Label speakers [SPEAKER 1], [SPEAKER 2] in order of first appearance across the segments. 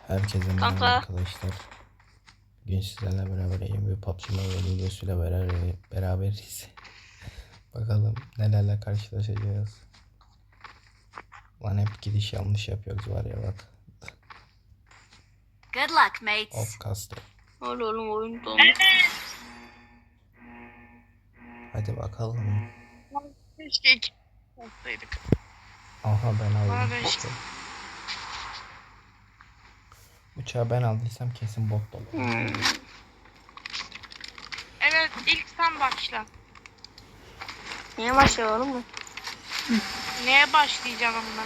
[SPEAKER 1] Herkese merhaba
[SPEAKER 2] Kanka.
[SPEAKER 1] arkadaşlar. Bugün sizlerle beraber bir PUBG Mobile videosuyla beraberiz. Bakalım nelerle karşılaşacağız. Lan hep gidiş yanlış yapıyoruz var ya bak.
[SPEAKER 3] Good luck, mates.
[SPEAKER 1] Hop kastı.
[SPEAKER 2] Öyle oğlum oyun donmuş.
[SPEAKER 1] Hadi bakalım.
[SPEAKER 4] Keşke iki olsaydık.
[SPEAKER 1] Aha ben aldım.
[SPEAKER 4] Bana işte.
[SPEAKER 1] Uçağı ben aldıysam kesin bot dolu.
[SPEAKER 4] Evet, ilk sen başla.
[SPEAKER 2] Niye başlayalım mı?
[SPEAKER 4] Neye başlayacağım amına?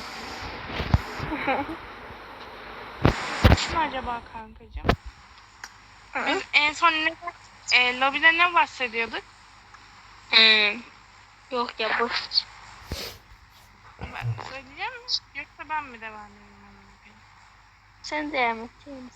[SPEAKER 4] Kim acaba kankacığım? Biz en son lobide ne bahsediyorduk?
[SPEAKER 2] Yok ya boş.
[SPEAKER 4] Ben söyleyeceğim mi? Yoksa ben mi devam edeyim?
[SPEAKER 2] Sen devam et.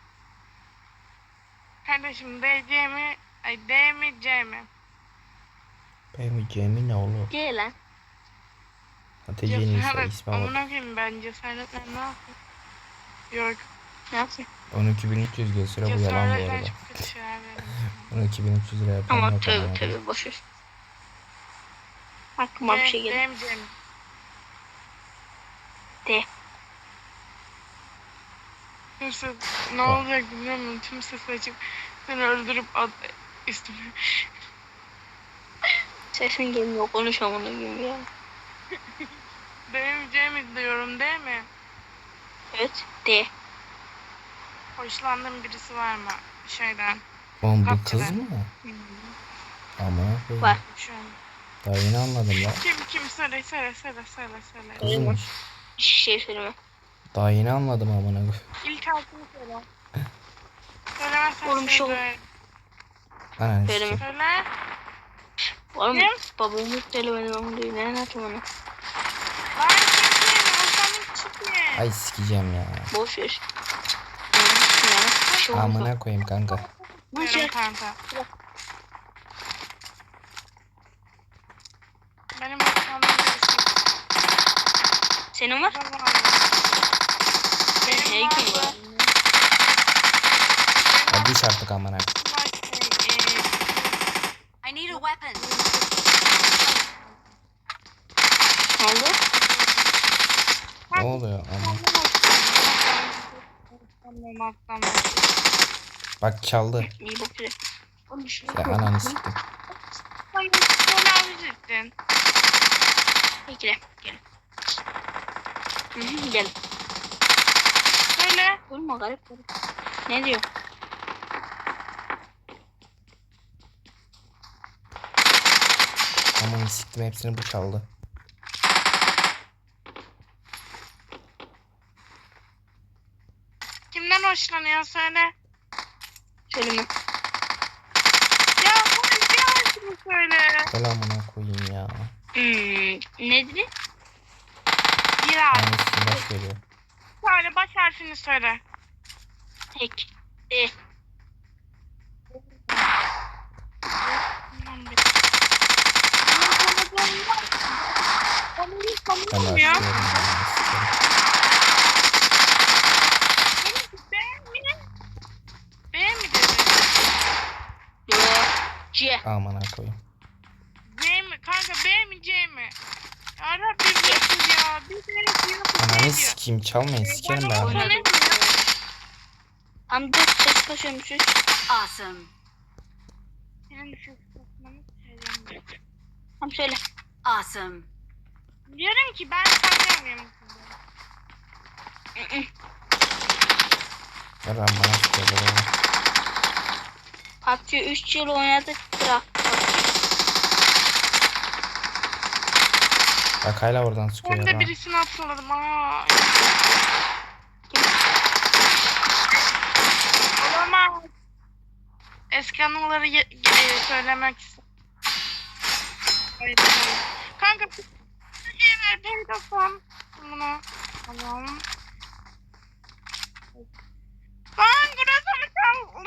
[SPEAKER 4] Kardeşim DC mi? D mi C mi?
[SPEAKER 1] Benim Cemil ne olur?
[SPEAKER 2] Gel lan.
[SPEAKER 1] Hatice'nin ise
[SPEAKER 4] Cesaret.
[SPEAKER 1] ismi bak.
[SPEAKER 4] Amına koyayım ben cesaretle ne yapayım? Yok.
[SPEAKER 2] Ne yapayım?
[SPEAKER 1] 12.300 gösteriyor bu yalan bu
[SPEAKER 4] Cesaretle
[SPEAKER 1] arada.
[SPEAKER 4] çok kötü şeyler veririm.
[SPEAKER 1] 12.300 lira yapan
[SPEAKER 2] Ama
[SPEAKER 1] yok
[SPEAKER 2] tövbe
[SPEAKER 1] ama.
[SPEAKER 2] tövbe boşver. Aklıma bir şey geldi.
[SPEAKER 4] D mi C mi?
[SPEAKER 2] De.
[SPEAKER 4] Kimse ne olacak bilmiyorum. Tüm ses açıp seni öldürüp üstüme.
[SPEAKER 2] Sesin gelmiyor. Konuşamam onu gibi ya.
[SPEAKER 4] Demeyeceğimi diyorum değil mi?
[SPEAKER 2] Evet. De.
[SPEAKER 4] Hoşlandığın birisi var mı? Şeyden.
[SPEAKER 1] Oğlum bu
[SPEAKER 4] Kapçı'da.
[SPEAKER 1] kız mı? Ama
[SPEAKER 2] Var.
[SPEAKER 4] Şu an.
[SPEAKER 1] daha yeni anladım lan.
[SPEAKER 4] Kim söyle.
[SPEAKER 1] Kızmış.
[SPEAKER 2] Hiçbir şey söyleme.
[SPEAKER 1] Daha yeni anladım amına koyayım.
[SPEAKER 4] İlk harfini söyle. Söylemezsen
[SPEAKER 2] Oğlum,
[SPEAKER 4] şey
[SPEAKER 2] şu-
[SPEAKER 4] böyle.
[SPEAKER 1] Ananı
[SPEAKER 2] Söyleme.
[SPEAKER 1] sikeyim.
[SPEAKER 4] Söyle.
[SPEAKER 2] Oğlum
[SPEAKER 4] Ne?
[SPEAKER 2] babamı söylemedim ama diyor. Ne anlatayım onu?
[SPEAKER 4] Lan kimsin? Hoşlandığın kişi kim?
[SPEAKER 1] Ay sikeceğim ya.
[SPEAKER 2] Boş ver. Ya. Bir şey olmaz.
[SPEAKER 1] Amına koyayım kanka.
[SPEAKER 4] Diyorum kanka. Benim hoşlandığım birisi.
[SPEAKER 2] Senin var?
[SPEAKER 4] Benim
[SPEAKER 2] Hey, kim var?
[SPEAKER 1] Ya düş artık amına.
[SPEAKER 3] I need a weapon.
[SPEAKER 2] Ne oldu?
[SPEAKER 1] Ne oluyor ama? Bak çaldı.
[SPEAKER 2] İyi bak güzel.
[SPEAKER 1] Ya ananı siktim.
[SPEAKER 2] Bekle. Gel. Gel.
[SPEAKER 4] Söyle.
[SPEAKER 2] Olma garip. Ne diyor?
[SPEAKER 1] Aman siktim hepsini bu çaldı.
[SPEAKER 4] Kimden hoşlanıyor söyle.
[SPEAKER 2] Söyleme.
[SPEAKER 4] Ya bunu bir harfini söyle.
[SPEAKER 1] Gel amına koyayım ya.
[SPEAKER 2] Ne dedi?
[SPEAKER 4] Bir harf.
[SPEAKER 1] Aynı silah veriyor.
[SPEAKER 4] Söyle baş harfini söyle.
[SPEAKER 2] Tek. E.
[SPEAKER 1] Ben
[SPEAKER 4] Tanımıyorum ya.
[SPEAKER 1] başlıyorum.
[SPEAKER 4] B mi dedi?
[SPEAKER 2] Yo. C.
[SPEAKER 1] Amına koyayım.
[SPEAKER 4] C mi? Kanka B mi C mi? Ya Rabbim yeter ya. Bir kere diyor.
[SPEAKER 1] Ananı sikeyim çalmayın sikerim ben.
[SPEAKER 2] Oynadım. Tam 4 ses kaçıyormuşuz.
[SPEAKER 3] Awesome.
[SPEAKER 2] Tam söyle.
[SPEAKER 3] Awesome.
[SPEAKER 4] Diyorum ki ben tanımıyorum sizi.
[SPEAKER 1] Gel lan bana sıkıyor.
[SPEAKER 2] PUBG 3 yıl oynadık. Bıraktık.
[SPEAKER 1] Bak hala oradan
[SPEAKER 4] Ben
[SPEAKER 1] sıkıyor
[SPEAKER 4] de
[SPEAKER 1] lan.
[SPEAKER 4] birisini hatırladım. Aa. Olamaz. Eski anıları söylemek istedim. Hayır, hayır. Kanka ver telefon. Bunu alalım. Lan burası mı kaldı?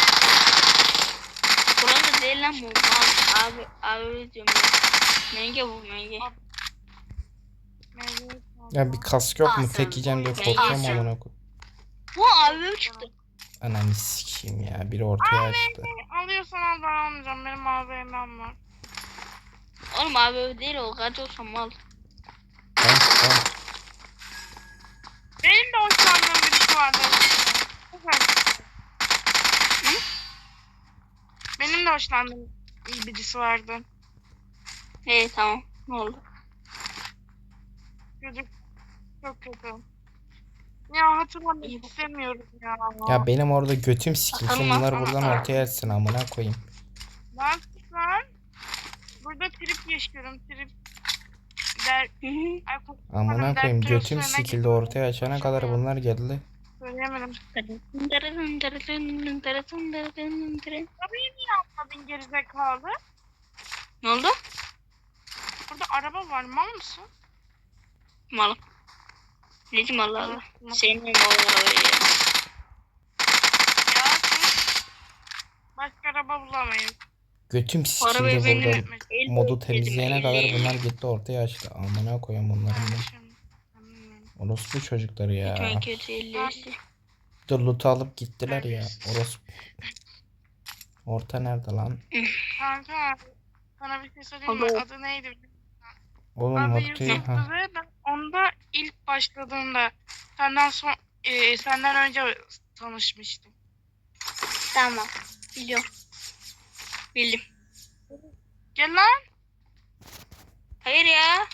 [SPEAKER 2] Burası değil lan bu. Mal. Abi diyorum ya. Menge bu menge.
[SPEAKER 1] Ya bir kask yok mu?
[SPEAKER 3] Awesome.
[SPEAKER 1] Tek yiyeceğim diye
[SPEAKER 2] Awesome.
[SPEAKER 1] korkuyorum amına koyayım.
[SPEAKER 2] Bu abim çıktı.
[SPEAKER 1] Ananı sikeyim ya. Biri ortaya açtı.
[SPEAKER 4] Alıyorsan al, ben almayacağım. Benim AVM'm var.
[SPEAKER 2] Oğlum abi değil o kaç olsam mal.
[SPEAKER 1] Tamam tamam.
[SPEAKER 4] Benim de hoşlandığım birisi vardı.
[SPEAKER 2] Hı?
[SPEAKER 4] Benim de hoşlandığım iyi birisi vardı.
[SPEAKER 2] Tamam. Ne oldu?
[SPEAKER 4] Çocuk çok kötü. Ya hatırlamak istemiyorum ya.
[SPEAKER 1] Ya benim orada götüm sikilsin.
[SPEAKER 2] Atalım
[SPEAKER 1] Bunlar
[SPEAKER 2] ama.
[SPEAKER 1] buradan ortaya açsın amına koyayım.
[SPEAKER 4] Ben lan burada trip yaşıyorum. Trip der.
[SPEAKER 2] Hı hı.
[SPEAKER 4] Ay,
[SPEAKER 1] Amına koyayım
[SPEAKER 4] dertleri
[SPEAKER 1] götüm
[SPEAKER 4] üstlerine
[SPEAKER 1] sikildi
[SPEAKER 4] geliyor.
[SPEAKER 1] ortaya açana kadar bunlar geldi.
[SPEAKER 4] Söyleyemedim. Tabii niye atmadın gerizekalı?
[SPEAKER 2] Ne oldu?
[SPEAKER 4] Burada araba var, mal mısın?
[SPEAKER 2] Malım. Necim Allah Allah.
[SPEAKER 4] Mal.
[SPEAKER 2] Sevmiyorum o arabayı ya.
[SPEAKER 4] Ya sus. Başka araba bulamayız.
[SPEAKER 1] Götüm
[SPEAKER 2] Arabayı
[SPEAKER 1] sikildi
[SPEAKER 2] benim
[SPEAKER 1] burada. Modu temizleyene kadar bunlar gitti ortaya açtı. Amına koyayım bunların da. Orospu çocukları ya.
[SPEAKER 2] Lütfen kötü ellisi.
[SPEAKER 1] Dur loot'u alıp gittiler ya. Orospu. Orta nerede lan?
[SPEAKER 4] Kanka sana bir şey söyleyeyim mi?
[SPEAKER 2] Abi.
[SPEAKER 4] Adı neydi?
[SPEAKER 1] Oğlum
[SPEAKER 4] Adı
[SPEAKER 1] ortayı
[SPEAKER 4] Yusuf'tu
[SPEAKER 1] ha.
[SPEAKER 4] ve ben onda ilk başladığında senden önce tanışmıştım.
[SPEAKER 2] Tamam. Biliyorum. Bildim.
[SPEAKER 4] Gel lan.
[SPEAKER 2] Hayır ya.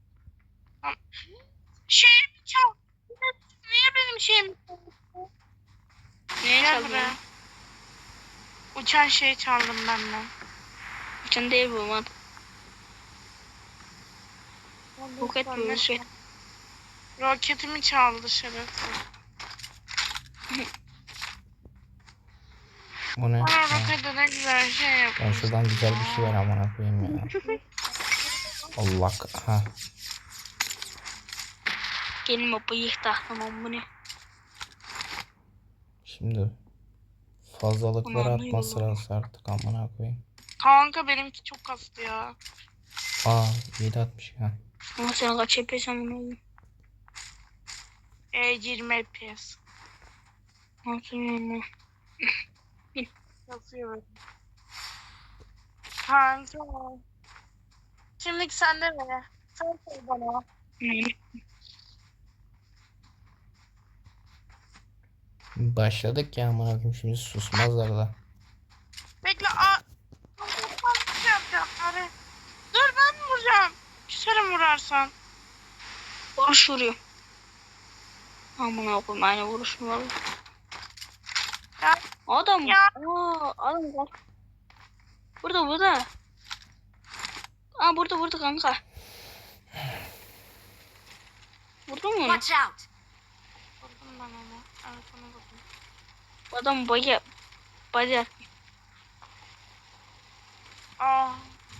[SPEAKER 4] Şeyimi çal. Niye benim şeyimi çaldın?
[SPEAKER 2] Niye
[SPEAKER 4] Gel
[SPEAKER 2] çaldın?
[SPEAKER 4] buraya. Uçan şeyi çaldım benden.
[SPEAKER 2] Uçan değil bu mat. Roket bu roket.
[SPEAKER 4] Roketimi çaldı şerefsiz.
[SPEAKER 1] Bu ne?
[SPEAKER 4] Bana
[SPEAKER 1] Ha.
[SPEAKER 4] rokete ne güzel şey
[SPEAKER 1] Ben
[SPEAKER 4] yapmış.
[SPEAKER 1] şuradan güzel bir şey ver amına koyayım ya. Allah ha.
[SPEAKER 2] Gelin o bıyık taktım bu ne?
[SPEAKER 1] Şimdi fazlalıkları
[SPEAKER 2] Aman,
[SPEAKER 1] atma
[SPEAKER 2] eyvallah.
[SPEAKER 1] sırası artık amına koyayım.
[SPEAKER 4] Kanka benimki çok kastı ya.
[SPEAKER 1] Aa 760 ha.
[SPEAKER 2] Ama sen kaç yapıyorsan bunu oğlum.
[SPEAKER 4] 20 FPS.
[SPEAKER 2] Nasıl yani?
[SPEAKER 4] Yazıyor böyle. Kanka. Şimdilik sende mi? Sen söyle bana.
[SPEAKER 1] Başladık ya amına koyayım şimdi susmazlar da.
[SPEAKER 4] Bekle. Ben bir şey yapacağım. Hadi. Dur ben vuracağım. Küserim vurarsan.
[SPEAKER 2] Vuruş vuruyor. Aman koyayım aynı vuruş mu var?
[SPEAKER 4] Ya.
[SPEAKER 2] Adam.
[SPEAKER 4] Ya.
[SPEAKER 2] Adam bak. Burada. Burada kanka. Vurdun mu onu?
[SPEAKER 3] Watch out!
[SPEAKER 4] Vurdum ben onu. Evet onu vurdum.
[SPEAKER 2] Adam bacak.
[SPEAKER 4] Aa.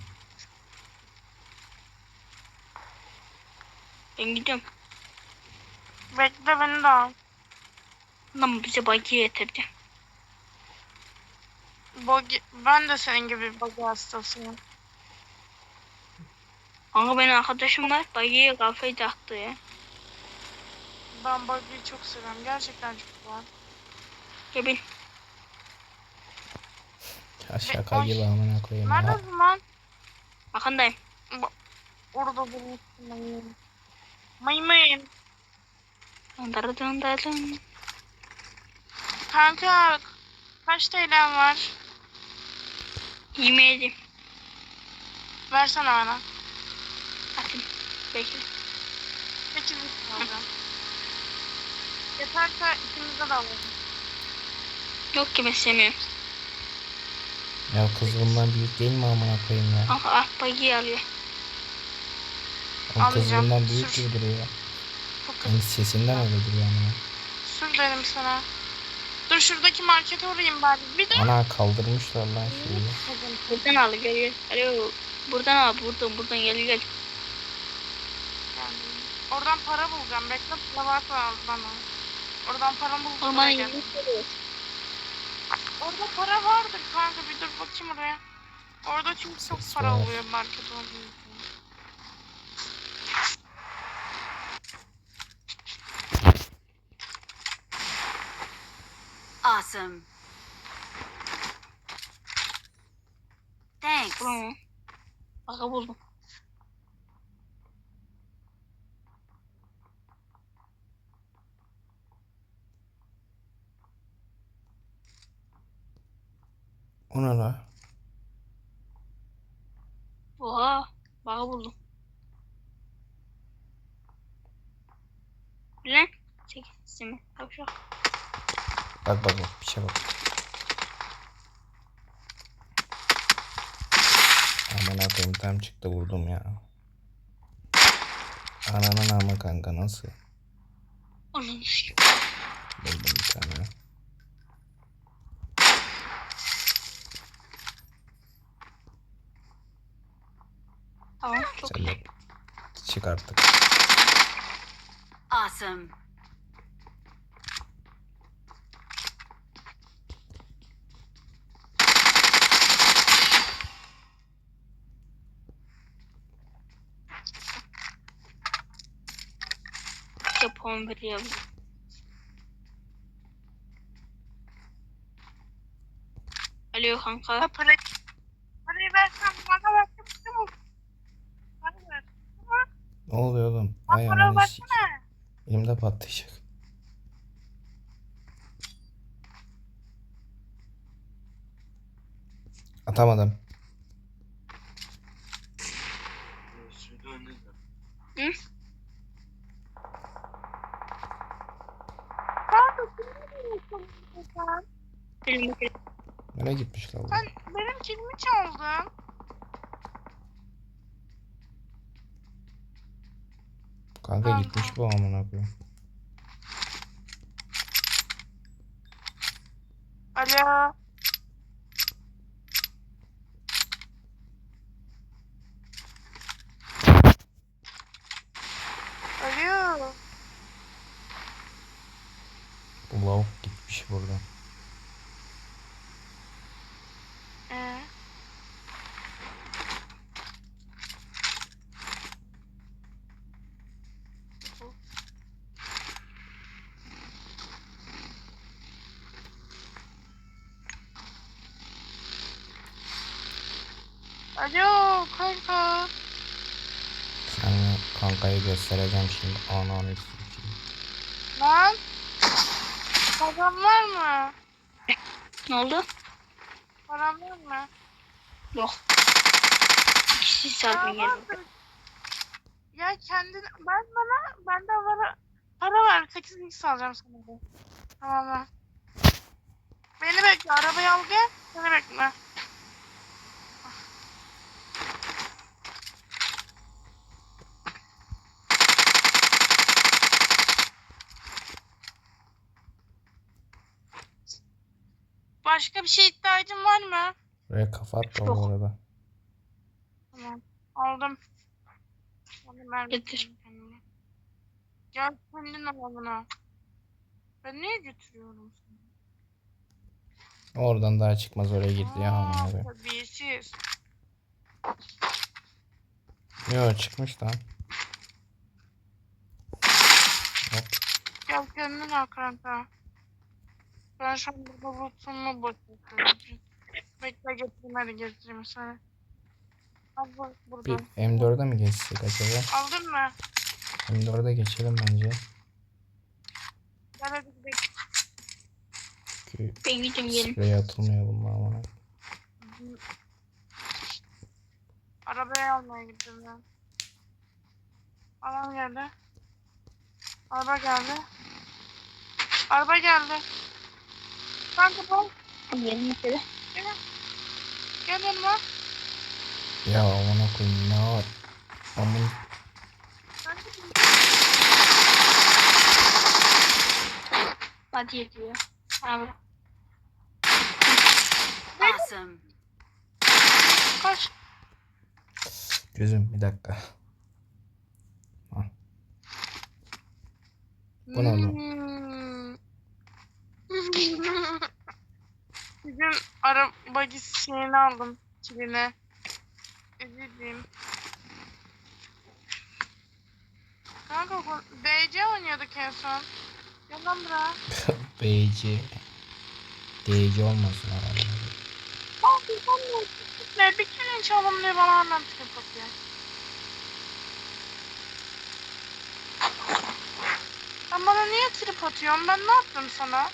[SPEAKER 2] Ben gidiyorum.
[SPEAKER 4] Bekle beni de al.
[SPEAKER 2] Adam bize bacı getirdi.
[SPEAKER 4] Ben de senin gibi bagi hastasıyım.
[SPEAKER 2] Kanka benim arkadaşım var. Bacıya kafayı taktı ya.
[SPEAKER 4] Ben bagiyi çok seviyorum. Gerçekten çok güzel.
[SPEAKER 2] Gel bin.
[SPEAKER 1] Ya şaka gibi amına koyayım ya.
[SPEAKER 4] Neredesin lan?
[SPEAKER 2] Arkandayım.
[SPEAKER 4] Orada bulmuşsun. Maymun.
[SPEAKER 2] Dın.
[SPEAKER 4] Kanka kaç TL'm var?
[SPEAKER 2] Yemeğim.
[SPEAKER 4] Versene bana.
[SPEAKER 2] Atayım. Bekle.
[SPEAKER 4] 8 alacağım. Yeterse ikimize de alalım.
[SPEAKER 2] Yok ki ben sevmiyorum.
[SPEAKER 1] Ya kız bundan büyük değil mi amına koyayım ya?
[SPEAKER 2] Kanka bacıyı alıyor.
[SPEAKER 1] O kız
[SPEAKER 4] Almayacağım.
[SPEAKER 1] bundan büyük
[SPEAKER 4] Sür.
[SPEAKER 1] gibi duruyor.
[SPEAKER 4] Çok kötü.
[SPEAKER 1] Yani sesinden öyle duruyor amına.
[SPEAKER 4] Sür dedim sana. Dur şuradaki markete uğrayayım bari. Bir de.
[SPEAKER 1] Ana kaldırmışlar lan şeyi.
[SPEAKER 2] Buradan al gel. Alo. Buradan al buradan gel.
[SPEAKER 4] Oradan para bulacağım. Bekle para varsa al bana. Oradan para bulacağım.
[SPEAKER 2] Ormanın
[SPEAKER 4] Gel.
[SPEAKER 2] yerini söylüyor.
[SPEAKER 4] Orada para vardır kanka. Bir dur bakayım oraya. Orada çünkü çok
[SPEAKER 1] Ses
[SPEAKER 4] para
[SPEAKER 1] var.
[SPEAKER 4] oluyor market olduğu için.
[SPEAKER 3] Awesome. Thanks.
[SPEAKER 2] Bulamam. Baka buldum.
[SPEAKER 1] O ne la?
[SPEAKER 2] Oha. Baka buldum. Lan. Çek simi. Tavşan.
[SPEAKER 1] Bak bak bak bir şey bak. Aman akıyım tam çıktı vurdum ya. Ananın ama kanka nasıl?
[SPEAKER 2] Onun işte.
[SPEAKER 1] Buldum bir tane.
[SPEAKER 2] Tamam çok
[SPEAKER 1] Sen
[SPEAKER 2] iyi.
[SPEAKER 1] de çık artık.
[SPEAKER 3] Awesome.
[SPEAKER 2] Japon biliyorum. Alo kanka.
[SPEAKER 4] Ha, parayı versen bana versem tamam. Para ver.
[SPEAKER 1] Ne oluyor oğlum?
[SPEAKER 4] Bak
[SPEAKER 1] Ay
[SPEAKER 4] para
[SPEAKER 1] ananı sikeyim.
[SPEAKER 4] versene.
[SPEAKER 1] Elimde patlayacak. Atamadım.
[SPEAKER 2] Hı?
[SPEAKER 4] Kanka kimi veriyorsun sen?
[SPEAKER 2] Benim
[SPEAKER 1] Nereye gitmiş la bu?
[SPEAKER 4] Sen benim kilimi çaldın.
[SPEAKER 1] Kanka
[SPEAKER 4] Kanka.
[SPEAKER 1] gitmiş bu amına koyayım.
[SPEAKER 4] Alo. Alo.
[SPEAKER 1] Bu lavuk gitmiş buradan.
[SPEAKER 4] Ee? Alo kanka.
[SPEAKER 1] Sana kankayı göstereceğim şimdi. Ananı sikeyim.
[SPEAKER 4] Lan. Param var mı?
[SPEAKER 2] ne oldu?
[SPEAKER 4] Param var mı?
[SPEAKER 2] Yok. İkisi
[SPEAKER 4] Ya
[SPEAKER 2] sardım geldi.
[SPEAKER 4] vardır. Ya kendin bende para var. 8x alacağım sana da. Tamam mı? Beni bekle. Arabayı al gel. Beni bekle. Başka bir şey ihtiyacın var mı?
[SPEAKER 1] Buraya kafa attı
[SPEAKER 2] Yok.
[SPEAKER 1] bu arada.
[SPEAKER 4] Tamam. Aldım. Aldım ben.
[SPEAKER 2] Getir.
[SPEAKER 4] Kendime. Gel kendin al bunu. Ben niye götürüyorum seni?
[SPEAKER 1] Oradan daha çıkmaz oraya girdi ya amına koyayım.
[SPEAKER 4] Terbiyesiz.
[SPEAKER 1] Yo çıkmış lan. Hop.
[SPEAKER 4] Gel kendin al kanka. Ben şu an burada bulutsumu boşaltıyorum. Bekle getireyim hadi getireyim sana. Al bu
[SPEAKER 1] Bir
[SPEAKER 4] buradan.
[SPEAKER 1] M4'e mi geçsek acaba?
[SPEAKER 4] Aldın mı?
[SPEAKER 1] M4'e geçelim bence.
[SPEAKER 4] Gel hadi gidelim.
[SPEAKER 1] Çünkü
[SPEAKER 2] Ben gideceğim gelin.
[SPEAKER 1] sprey atılmıyor bununla amına.
[SPEAKER 4] Arabayı almaya gittim ben. Adam geldi. Araba geldi. Araba geldi. Kanka bak.
[SPEAKER 2] Gelin şöyle.
[SPEAKER 4] Gel yanıma.
[SPEAKER 1] Ya amına koyayım ne var? Amın
[SPEAKER 4] Kanka
[SPEAKER 2] Hadi yetiyor. Abi.
[SPEAKER 3] Awesome.
[SPEAKER 4] kaç.
[SPEAKER 1] gözüm bir dakika. Bu ne oğlum?
[SPEAKER 4] Bizim araba şeyini aldım. Kilini. Üzüldüm. Kanka DC oynuyorduk en son. Yalan bırak.
[SPEAKER 1] BC. Değici olmasın herhalde.
[SPEAKER 4] Abi ben ne? Bir kere çalalım diye bana hemen trip atıyor. Sen bana niye trip atıyorsun? Ben ne yaptım sana?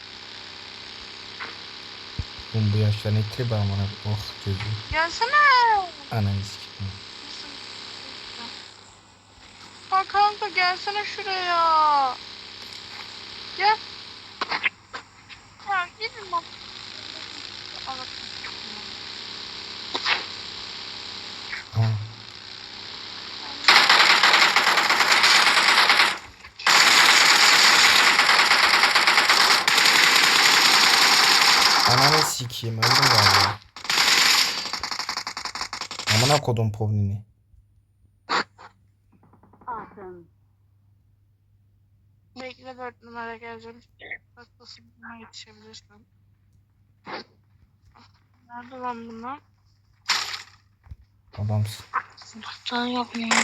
[SPEAKER 1] Oğlum bu yaşta ne tribi amına. Oh çocuğu.
[SPEAKER 4] Gelsene.
[SPEAKER 1] Ananı sikeyim.
[SPEAKER 4] Ha kanka gelsene şuraya. Gel. Ya gidin bak.
[SPEAKER 1] Aa. Ananı sikeyim öldüm galiba. Amına kodum povnini.
[SPEAKER 3] Awesome.
[SPEAKER 4] Bekle 4 numara geleceğim. Baklasın buna yetişebilirsin. Nerede lan bunlar?
[SPEAKER 1] Adamsın.
[SPEAKER 2] Sınıfta yok mu?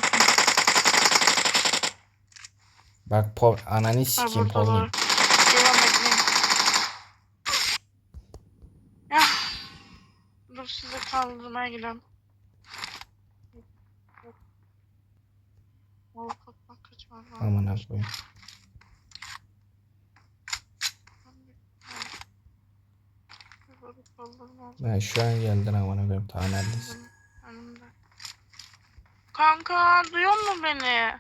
[SPEAKER 1] Bak ananı
[SPEAKER 4] Ha
[SPEAKER 1] sikeyim
[SPEAKER 4] burada
[SPEAKER 1] povnin.
[SPEAKER 4] var. Devam edeyim. Ya. Dur size kaldırmaya gidelim. Bak kaçmaz var.
[SPEAKER 1] Amına koyayım. Ben şu an geldin amına koyayım. Ta neredesin?
[SPEAKER 4] Önümde. Kanka duyuyor musun beni?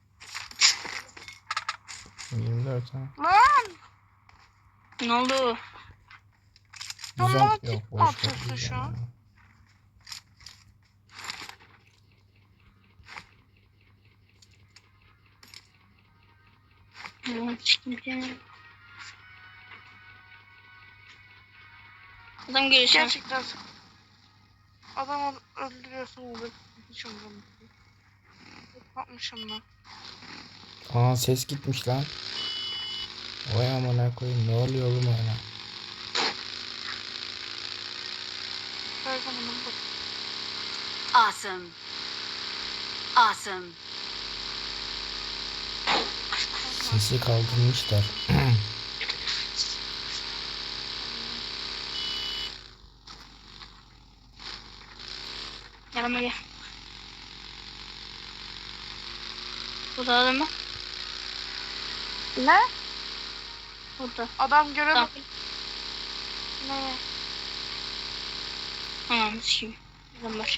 [SPEAKER 1] 24 ha.
[SPEAKER 4] Lan!
[SPEAKER 2] Ne oldu?
[SPEAKER 4] Sen
[SPEAKER 1] Güzel
[SPEAKER 4] bana
[SPEAKER 1] yok
[SPEAKER 4] tip mi
[SPEAKER 1] boş ver.
[SPEAKER 4] atıyorsun şu an?
[SPEAKER 2] Adam gelişim.
[SPEAKER 4] Gerçekten adam öldürüyorsun orada. Hiç umurumda değil. Yapmışım ben.
[SPEAKER 1] Aa ses gitmiş lan. Vay amına koyayım ne oluyor oğlum öyle?
[SPEAKER 4] Her zaman bak.
[SPEAKER 3] Awesome. Awesome.
[SPEAKER 1] Sesi kaldırmışlar.
[SPEAKER 2] Yanıma gel. Burada adam mı?
[SPEAKER 4] Ne?
[SPEAKER 2] Burada.
[SPEAKER 4] Adam göremedim.
[SPEAKER 2] Tamam.
[SPEAKER 4] Ne?
[SPEAKER 2] Anam sikeyim. Adam var.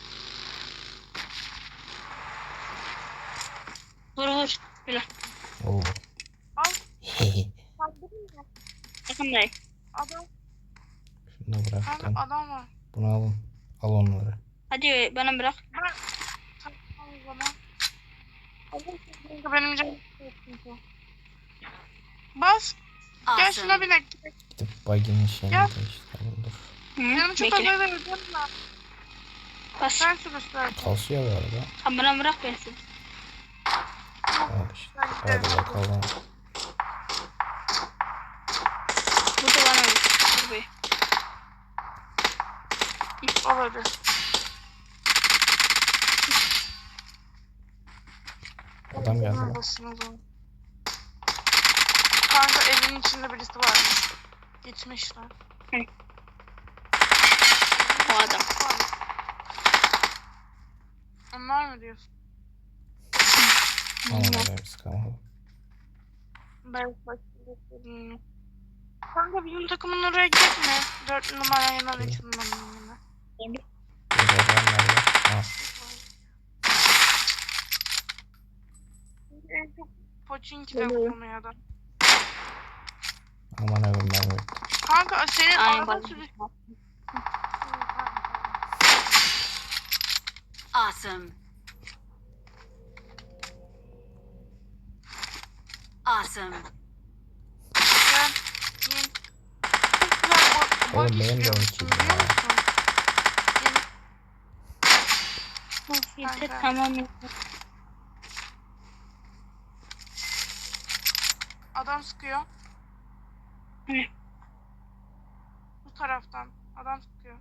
[SPEAKER 2] Vur. Böyle.
[SPEAKER 1] Oo.
[SPEAKER 4] Al.
[SPEAKER 1] Hehe.
[SPEAKER 4] Kaldırayım mı?
[SPEAKER 2] Yakındayım.
[SPEAKER 4] Adam.
[SPEAKER 1] Şunu da bıraktım.
[SPEAKER 4] Kanka adam var.
[SPEAKER 1] Bunu alın. Al onları.
[SPEAKER 2] Hadi bana bırak.
[SPEAKER 4] Ben. Tamam o zaman. Adam kanka benim canım sıkıntı. Bas. Gel şuna
[SPEAKER 3] Awesome.
[SPEAKER 4] binek.
[SPEAKER 1] Gidip baginin şeyini
[SPEAKER 4] Gel.
[SPEAKER 1] değiştirelim. Dur.
[SPEAKER 2] Hı,
[SPEAKER 4] Canım çok
[SPEAKER 2] bekle.
[SPEAKER 4] acele ediyorum ben.
[SPEAKER 2] Bas.
[SPEAKER 4] Sen sürüsler.
[SPEAKER 1] Kasıyor bu arada.
[SPEAKER 2] Sen bana bırak ben seni.
[SPEAKER 1] Al işte. Hadi bakalım.
[SPEAKER 2] Burada bana vur. Dur be.
[SPEAKER 4] Al hadi.
[SPEAKER 1] Adam geldi lan.
[SPEAKER 4] Basın o zaman. Kanka evin içinde birisi varmış. Gitmişler.
[SPEAKER 2] O adam.
[SPEAKER 4] Onlar mı diyorsun?
[SPEAKER 1] Aman Allah'ım sıkamadım.
[SPEAKER 4] Ben başlayayım. Kanka bizim takımın oraya gitme. 4 numara yanar
[SPEAKER 1] Dur.
[SPEAKER 4] 2 numaranın yanına.
[SPEAKER 1] Burada adam nerede? Ha.
[SPEAKER 4] En çok Pochinki'de
[SPEAKER 2] Geliyor.
[SPEAKER 4] konuyor adam.
[SPEAKER 1] Aman Allah'ım ben yok.
[SPEAKER 4] Kanka senin
[SPEAKER 2] Aynen
[SPEAKER 4] araba
[SPEAKER 2] bak.
[SPEAKER 4] sürüsü.
[SPEAKER 3] Awesome. Awesome.
[SPEAKER 4] Gel. Gel. Çok güzel
[SPEAKER 1] Oğlum
[SPEAKER 4] buggy
[SPEAKER 1] benim de
[SPEAKER 4] sürüyormuşsun,
[SPEAKER 1] vakit
[SPEAKER 4] biliyor
[SPEAKER 1] ya.
[SPEAKER 4] musun?
[SPEAKER 2] Yeter
[SPEAKER 4] Kanka.
[SPEAKER 2] tamam yeter.
[SPEAKER 4] Adam sıkıyor.
[SPEAKER 2] Hı.
[SPEAKER 4] Bu taraftan. Adam sıkıyor.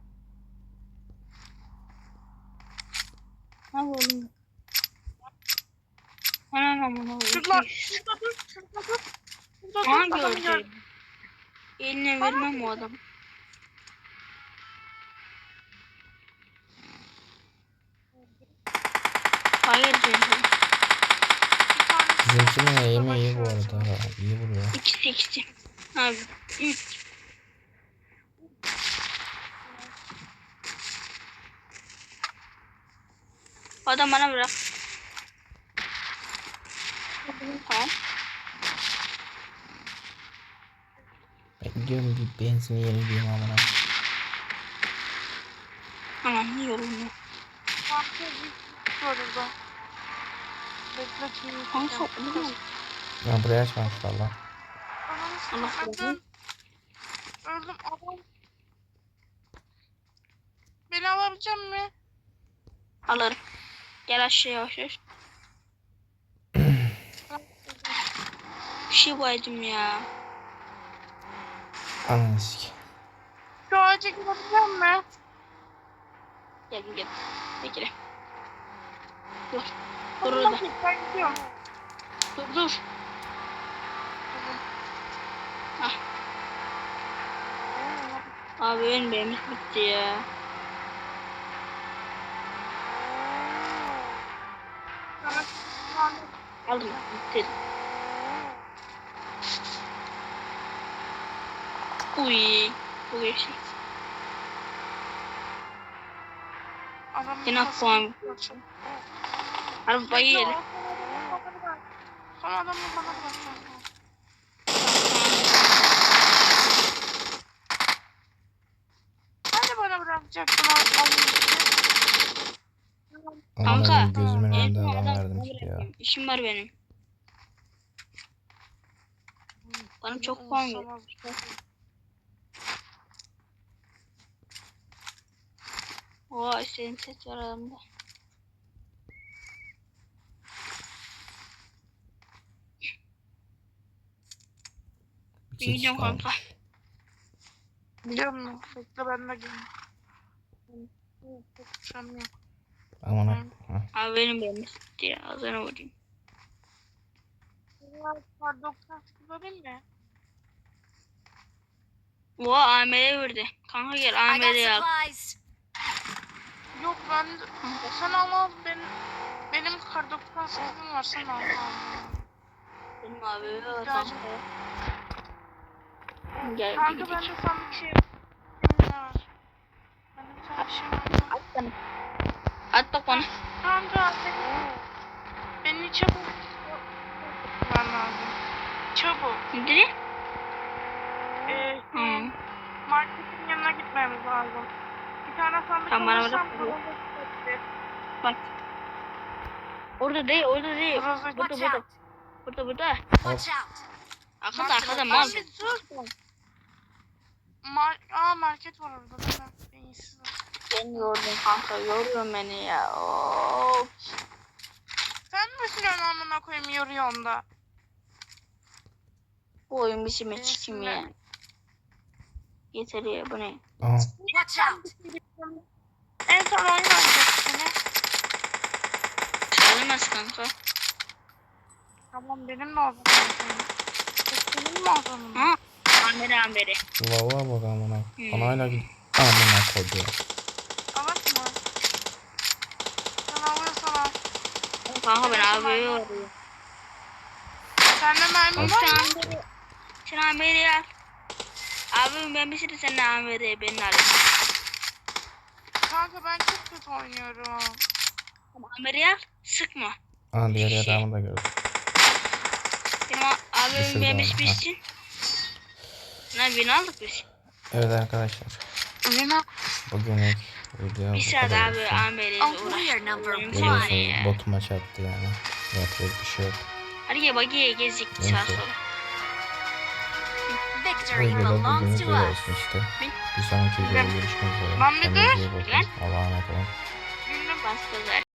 [SPEAKER 2] Al oğlum. Anam amına.
[SPEAKER 4] Şurada dur. Şurada dur. Şurada dur. Şurada dur.
[SPEAKER 2] Hangi
[SPEAKER 4] Adamı gör.
[SPEAKER 2] gördün? Eline vermem o adamı. Hayır canım.
[SPEAKER 4] Bir tanesi
[SPEAKER 1] Bizimkinin eğimi iyi bu
[SPEAKER 4] savaşıyor.
[SPEAKER 1] arada. İyi vuruyor.
[SPEAKER 2] İkisi. Abi 3. Adam bana bırak. Tamam.
[SPEAKER 1] Ben gidiyorum bir benzin yenileyim amına.
[SPEAKER 2] Aman iyi yolunu.
[SPEAKER 4] Kanka bir var orada. Bekle kimi
[SPEAKER 2] Kanka
[SPEAKER 4] tutacağım.
[SPEAKER 2] öldü mü?
[SPEAKER 1] Ben buraya açmamış valla.
[SPEAKER 4] Ananı
[SPEAKER 2] Allah
[SPEAKER 4] satayım. Öldüm adam. Beni alabilecek mi?
[SPEAKER 2] Alırım. Gel aşağıya yavaş yavaş. Bir şey baydım ya.
[SPEAKER 1] Ananı sik.
[SPEAKER 4] Şu ağaca girebilecek mi?
[SPEAKER 2] Gel. Bekle. Dur. Dur orada.
[SPEAKER 4] Ben gidiyorum.
[SPEAKER 2] Dur. Ah. Abi benim bitti ya. Aldım. Bitti. Uy. Bu geçti. Yine puan. Arabayı yedim.
[SPEAKER 4] Son adamı bana bırak. Hadi bana bırakacaktın
[SPEAKER 1] Aman
[SPEAKER 2] Kanka,
[SPEAKER 1] Allah'ım gözümün
[SPEAKER 2] en
[SPEAKER 1] önünde
[SPEAKER 2] son
[SPEAKER 1] adam
[SPEAKER 2] adam
[SPEAKER 1] verdim
[SPEAKER 2] bana
[SPEAKER 1] ki ya.
[SPEAKER 2] bırakayım. İşim var benim. Bana çok puan ver. Oha istediğim set var adamda.
[SPEAKER 1] Bir kişi
[SPEAKER 2] Gidiyorum kanka.
[SPEAKER 1] kalmış.
[SPEAKER 4] Biliyor musun? Bekle ben de geleyim. Konuşamıyorum.
[SPEAKER 1] Aman ha.
[SPEAKER 2] Abi benim bitti ya. Ağzına vurayım.
[SPEAKER 4] Kar 98 alayım mı?
[SPEAKER 2] Oha AMR'ye verdi. Kanka gel
[SPEAKER 3] I got
[SPEAKER 2] AMR'ye al.
[SPEAKER 3] supplies.
[SPEAKER 4] Yok ben sen al benim kar 98'im var sen al.
[SPEAKER 2] Benim abi var
[SPEAKER 4] Gel.
[SPEAKER 2] kanka. Gel
[SPEAKER 4] Kanka
[SPEAKER 2] gidelim.
[SPEAKER 4] ben de sana bir şey var. Ben de sana bir şey var.
[SPEAKER 2] At bana. At bak bana.
[SPEAKER 4] Kanka beni çabuk ben lazım. Çabuk.
[SPEAKER 2] Nedir?
[SPEAKER 4] Şey, marketin yanına gitmemiz lazım. Bir tane sandık
[SPEAKER 2] Tamam, bana
[SPEAKER 4] alırsam
[SPEAKER 2] bırak.
[SPEAKER 4] burada tutabilir.
[SPEAKER 2] Bak. Orada değil.
[SPEAKER 4] Burası
[SPEAKER 3] Watch out.
[SPEAKER 2] Burada.
[SPEAKER 3] Watch out.
[SPEAKER 2] Arkada mal.
[SPEAKER 4] Abi sus. Market var orada değil mi? Beyinsiz.
[SPEAKER 2] Beni yordun kanka. Yoruyorsun beni ya. Of.
[SPEAKER 4] Sen mi sürüyorsun amına koyayım yoruyorsun da?
[SPEAKER 2] Bu oyun biçimi çikim
[SPEAKER 4] Neyse.
[SPEAKER 2] ya. Yeter ya bu ne?
[SPEAKER 1] Aha.
[SPEAKER 3] Watch out.
[SPEAKER 4] En son oyun oynayacak seni.
[SPEAKER 2] Çalamaz kanka.
[SPEAKER 4] Tamam benim de o zaman. Senin mi o zaman?
[SPEAKER 2] Ha? Amere.
[SPEAKER 1] Vallahi bak amına.
[SPEAKER 2] Hmm.
[SPEAKER 1] Bana hala git. Amına koydu.
[SPEAKER 4] Alak mı? Sen alıyorsan al.
[SPEAKER 2] Kanka ben
[SPEAKER 4] Evet,
[SPEAKER 2] abi
[SPEAKER 4] tamam.
[SPEAKER 2] yoruyorum.
[SPEAKER 4] Sende mermi var mı?
[SPEAKER 2] Sen Amere'yi al. Abim ben bir sürü senin Amere'yi beni alayım.
[SPEAKER 4] Kanka ben çok kötü oynuyorum.
[SPEAKER 2] Ama Amere'yi al. Sıkma.
[SPEAKER 1] Aha diğer adamı da gördüm.
[SPEAKER 2] Benim abim
[SPEAKER 1] Düşürdü
[SPEAKER 2] ben
[SPEAKER 1] onu,
[SPEAKER 2] bir bitsin. Lan beni aldık biz.
[SPEAKER 1] Evet arkadaşlar.
[SPEAKER 4] Lina.
[SPEAKER 1] Bugünlük video
[SPEAKER 2] Bir
[SPEAKER 1] bu
[SPEAKER 2] saat
[SPEAKER 1] kadar
[SPEAKER 2] abi
[SPEAKER 1] olsun.
[SPEAKER 2] Amere'yle
[SPEAKER 3] Oh, we are
[SPEAKER 2] uğraştık.
[SPEAKER 3] number
[SPEAKER 2] Oyun
[SPEAKER 3] one.
[SPEAKER 2] bitti ya.
[SPEAKER 1] Biliyorsunuz botuma çarptı yani. Yapacak bir şey yok.
[SPEAKER 2] Hadi gel bagiye gezdik sağa
[SPEAKER 1] Neyse.
[SPEAKER 2] sola.
[SPEAKER 1] Bu
[SPEAKER 3] Victory
[SPEAKER 1] videoda
[SPEAKER 3] belongs
[SPEAKER 1] bugünlük
[SPEAKER 3] to
[SPEAKER 1] böyle
[SPEAKER 3] us.
[SPEAKER 1] olsun işte. Bir sonraki videoda görüşmek üzere.
[SPEAKER 4] Lan bir dur.
[SPEAKER 1] Kendinize iyi bakın.
[SPEAKER 2] Lan.
[SPEAKER 1] Allah'a emanet olun.
[SPEAKER 4] Gülüm.
[SPEAKER 2] Bastırlar.